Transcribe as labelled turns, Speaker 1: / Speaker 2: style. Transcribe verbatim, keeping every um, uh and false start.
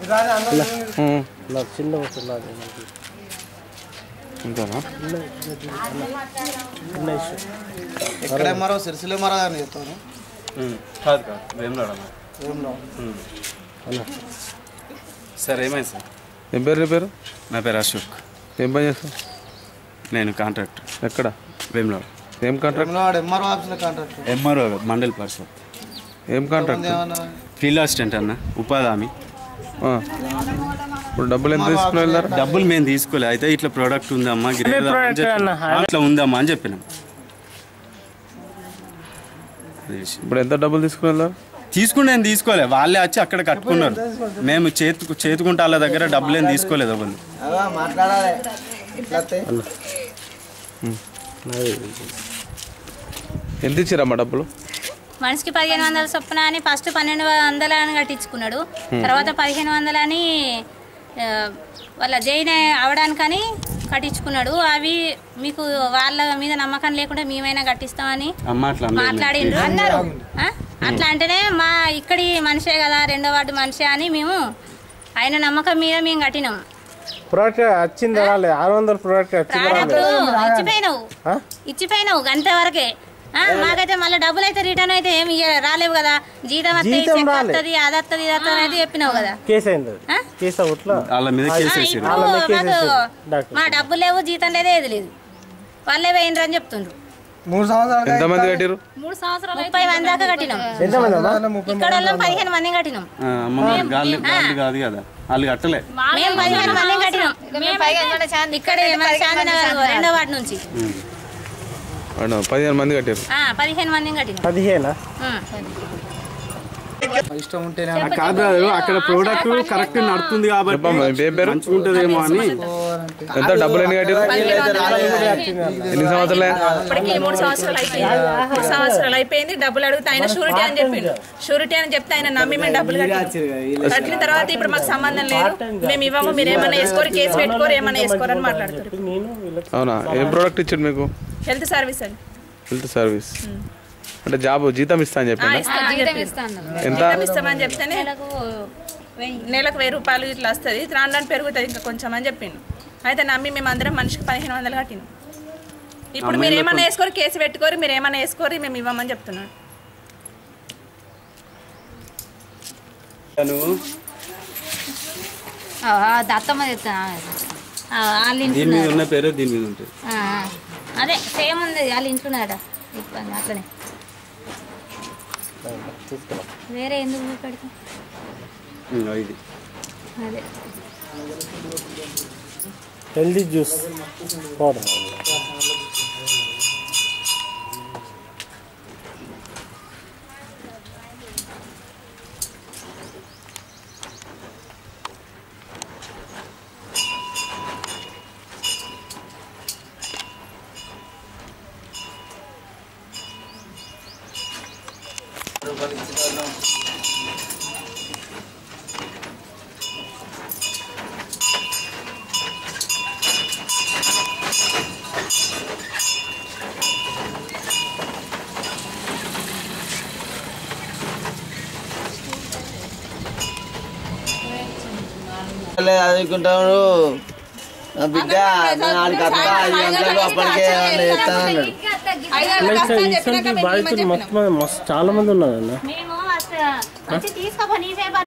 Speaker 1: చిన్న వస్తుంది
Speaker 2: ఇంకానా
Speaker 3: ఎక్కడ మరో సిరిసిల్ల మరో అని చెప్తాను
Speaker 2: కాదు కాదు వేమనాడ సార్ ఏమైంది సార్
Speaker 4: ఏం పేరు నీ పేరు?
Speaker 2: నా పేరు అశోక్.
Speaker 4: ఏం పని చేస్తావు?
Speaker 2: నేను కాంట్రాక్టర్.
Speaker 4: ఎక్కడ?
Speaker 2: వేమనాడ.
Speaker 4: ఏం కాంట్రాక్ట్?
Speaker 3: ఎంఆర్ఓ ఆఫీస్లో కాంట్రాక్ట్.
Speaker 2: ఎంఆర్ఓ మండల్ పరిషత్.
Speaker 4: ఏం కాంట్రాక్ట్?
Speaker 2: ఫీల్డ్ అసిస్టెంట్ అన్న, ఉపాధి హామీ.
Speaker 4: ఇప్పుడు డబ్బులు ఎంత తీసుకుని వెళ్ళారు?
Speaker 2: డబ్బులు మేము తీసుకోలే, అయితే ఇట్లా ప్రోడక్ట్ ఉందమ్మా ఇట్లా ఉందమ్మా అని చెప్పినాం.
Speaker 4: ఇప్పుడు ఎంత డబ్బులు తీసుకుని వెళ్ళారు?
Speaker 2: తీసుకుని నేను తీసుకోలే, వాళ్ళే వచ్చి అక్కడ కట్టుకున్నారు. మేము చేతు చేతుకుంటే వాళ్ళ దగ్గర డబ్బులు ఏం తీసుకోలేదు వాళ్ళు.
Speaker 4: ఎంత ఇచ్చారమ్మా డబ్బులు?
Speaker 5: మనిషికి పదిహేను వందల చొప్పున అని ఫస్ట్ పన్నెండు వందల అని కట్టించుకున్నాడు. తర్వాత పదిహేను వందలని వాళ్ళ జైన్ అవడానికని కట్టించుకున్నాడు. అవి మీకు వాళ్ళ మీద నమ్మకం లేకుండా మేమైనా కట్టిస్తామని మాట్లాడిండ్రు అన్నారు. అట్లా అంటేనే మా ఇక్కడి మనిషే కదా, రెండో వార్డు మనిషే అని మేము ఆయన నమ్మకం మీద మేము కట్టినాం.
Speaker 1: ప్రోడక్ట్ వచ్చింది ఆరు వందల ప్రోడక్ట్
Speaker 5: ఇచ్చిపోయినావు ఇచ్చిపోయినావు గంట వరకే. మాకైతే మళ్ళీ డబ్బులు అయితే రిటర్న్ అయితే ఏమి రాలేవు కదా. జీతం వస్తుంది, అది వస్తుంది, ఇది వస్తుంది అయితే చెప్పినావు కదా. మా డబ్బులు లేవు, జీతం లేదే, ఏది లేదు. వాళ్ళే పోయినరు అని చెప్తుండ్రు.
Speaker 3: మూడు సంవత్సరాలు
Speaker 4: ఎంతమంది కట్టారు?
Speaker 5: మూడు సంవత్సరాలు ముప్పై మంది దాకా కట్టినాం. ఇక్కడ పదిహేను మంది కట్టినాం.
Speaker 2: వాళ్ళు కట్టలే,
Speaker 5: మేము పదిహేను మంది కట్టినాం. ఇక్కడ రెండో వార్డు నుంచి
Speaker 4: పదిహేను మంది కట్టారు.
Speaker 5: పదిహేను మంది కట్టినాం.
Speaker 1: పదిహేనా?
Speaker 3: ఇష్టం ఉంటేనే
Speaker 2: కాదు, అక్కడ ప్రోడక్ట్ కరెక్ట్ నడుతుంది కాబట్టి మంచుకుంటుందేమో అని.
Speaker 4: ఎంత డబ్బులు ఎన్ని కట్టారు? ఎన్ని సంవత్సరాలు?
Speaker 6: ఇప్పటికి మూడు సంవత్సరాలు అయిపోయింది. మూడు సంవత్సరాలు అయిపోయింది. డబ్బులు అడిగితే ఆయన షూరిటీ అని చెప్పిండు. షూరిటీ అని చెప్తే ఆయన నమ్మి మేము డబ్బులు కట్టిన కట్టిన తర్వాత ఇప్పుడు మాకు సంబంధం లేదు, మేము ఇవ్వము, మీరు ఏమైనా వేసుకోరు, కేసు పెట్టుకోరు, ఏమైనా వేసుకోరు అని మాట్లాడుతారు.
Speaker 4: అవునా? ఏం ప్రోడక్ట్ ఇచ్చాడు మీకు?
Speaker 6: హెల్త్ సర్వీస్ అండి.
Speaker 4: హెల్త్ సర్వీస్ అంటే జాబ్ జీతం ఇస్తా అని చెప్పి
Speaker 6: ఎంత ఇస్తామని చెప్తేనే నెలకు వెయ్యి రూపాయలు ఇట్లా వస్తుంది, రాను పెరుగుతుంది ఇంకా కొంచెం అని చెప్పిండు. అయితే నమ్మి మేము అందరం మనిషికి పదిహేను వందలు కట్టినాం. ఇప్పుడు మీరు ఏమన్నా వేసుకోరు, కేసు పెట్టుకోరు, మీరు ఏమన్నా వేసుకోరు, మేము ఇవ్వమని చెప్తున్నాడు.
Speaker 5: దత్తమ్మ
Speaker 2: దీని మీద ఉన్న పేరు దీని మీద ఉంటుంది.
Speaker 5: అదే సేమ్ ఉంది వాళ్ళ ఇంట్లోనాడ. ఇబ్బంది అట్లనే వేరే ఎందుకు పెడతాం?
Speaker 2: ఇది
Speaker 5: అదే
Speaker 1: హెల్దీ జ్యూస్ పౌడర్.
Speaker 3: చదువుకుంటాడు బిడ్డ, ఆడికి అత్త ఐదు గంటలకు అప్పటికే చెప్తానన్నాడు.
Speaker 1: బాధితులు మొత్తం చాలా మంది ఉన్నారు.